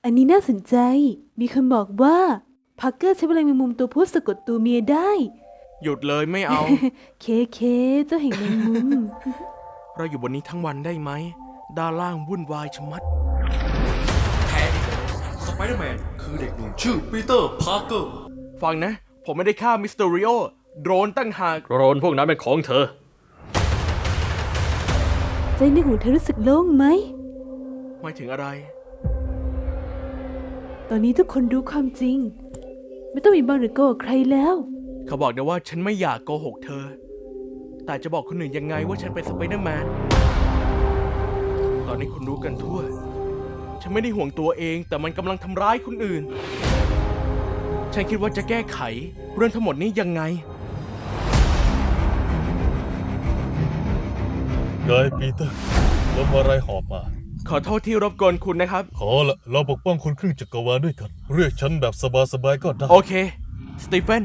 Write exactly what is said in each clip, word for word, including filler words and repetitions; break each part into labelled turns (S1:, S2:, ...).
S1: อันนี้น่าสนใจมีคนบอกว่าพักเกอร์ใช้พลังแมงมุมตัวผู้สะกดตัวเมียได้
S2: หยุดเลยไม่เอา
S1: เคเคเจ้าแห่งแมงมุม
S2: เราอยู่บนนี้ทั้งวันได้ไหมด้านล่างวุ่นวายชะมัด
S3: แท้สไปเดอร์แมนคือเด็กหนุ่มชื่อปีเตอร์ พาร์เกอร์
S2: ฟังนะผมไม่ได้ฆ่ามิสเตอริโอโดรนตั้งหาก
S4: โดรนพวกนั้นเป็นของเธอ
S1: ใจในหูเธอรู้สึกโล่งไหม
S2: หมายถึงอะไร
S1: ตอนนี้ทุกคนรู้ความจริงไม่ต้องมีบางหรือโกหกใครแล้ว
S2: เขาบอกนะว่าฉันไม่อยากโกหกเธอแต่จะบอกคนอื่นยังไงว่าฉันเป็นสไปเดอร์แมนตอนนี้คุณรู้กันทั่วฉันไม่ได้ห่วงตัวเองแต่มันกำลังทำร้ายคนอื่นฉันคิดว่าจะแก้ไขเรื่องทั้งหมดนี้ยังไง
S5: ไงปีเตอร์ลมอะไรหอบมา
S2: ขอโทษที่รบกวนคุณนะครับ
S5: ขอละเราปกป้องคนครึ่งจักรวาลด้วยกันเรียกฉันแบบสบายๆก็ได้
S2: โอเคสตีเฟน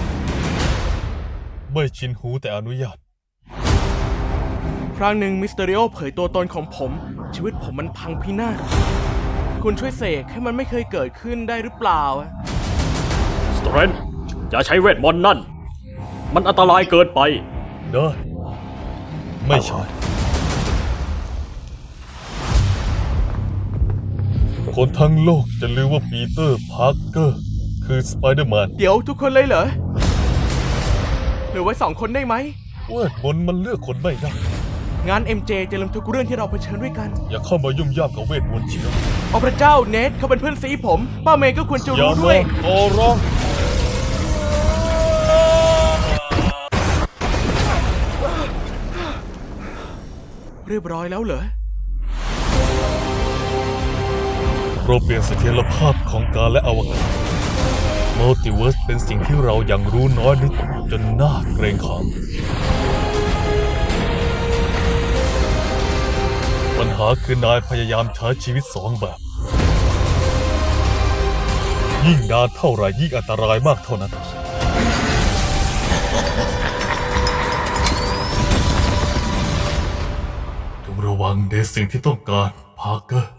S5: ไม่ชินหูแต่อนุญาต
S2: ครั้งหนึ่งมิสเตอริโอเผยตัวตนของผมชีวิตผมมันพังพินาศคุณช่วยเสกให้มันไม่เคยเกิดขึ้นได้หรือเปล่า
S4: สเตรนท์อย่าใช้เวทมนต์นั่นมันอันตรายเกินไป
S5: ได้ไม่ใช่คนทั้งโลกจะลือว่าปีเตอร์ พาร์เกอร์คือสไปเดอร์แมน
S2: เดี๋ยวทุกคนเลยเหรอหรือไว้สองคนได้ไหม
S5: เวทมนต์มันเลือกคนไม่ได้
S2: งาน เอ็ม เจ จะลืมทุกเรื่องที่เราเผชิญด้วยกัน
S5: อย่าเข้ามายุ่มย่ามกับเวทมนต์เชียว
S2: โอ้พระเจ้าเนทเขาเป็นเพื่อนซีผมป้าเมย์ก็ควรจะ
S5: รู้
S2: ด้วย
S5: โอ้ร้อง
S2: เรียบร้อยแล้วเหรอ
S5: เราเปลี่ยนเสถียรภาพของกาลและอวกาศมัลติเวิร์สเป็นสิ่งที่เรายังรู้น้อยนิดจนน่าเกรงขามปัญหาคือนายพยายามใช้ชีวิตสองแบบยิ่งนานเท่าไหร่ยิ่งอันตรายมากเท่านั้นจงระวังในสิ่งที่ต้องการพาร์เกอร์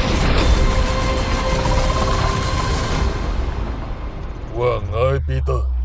S5: ว่าไงปีเตอร์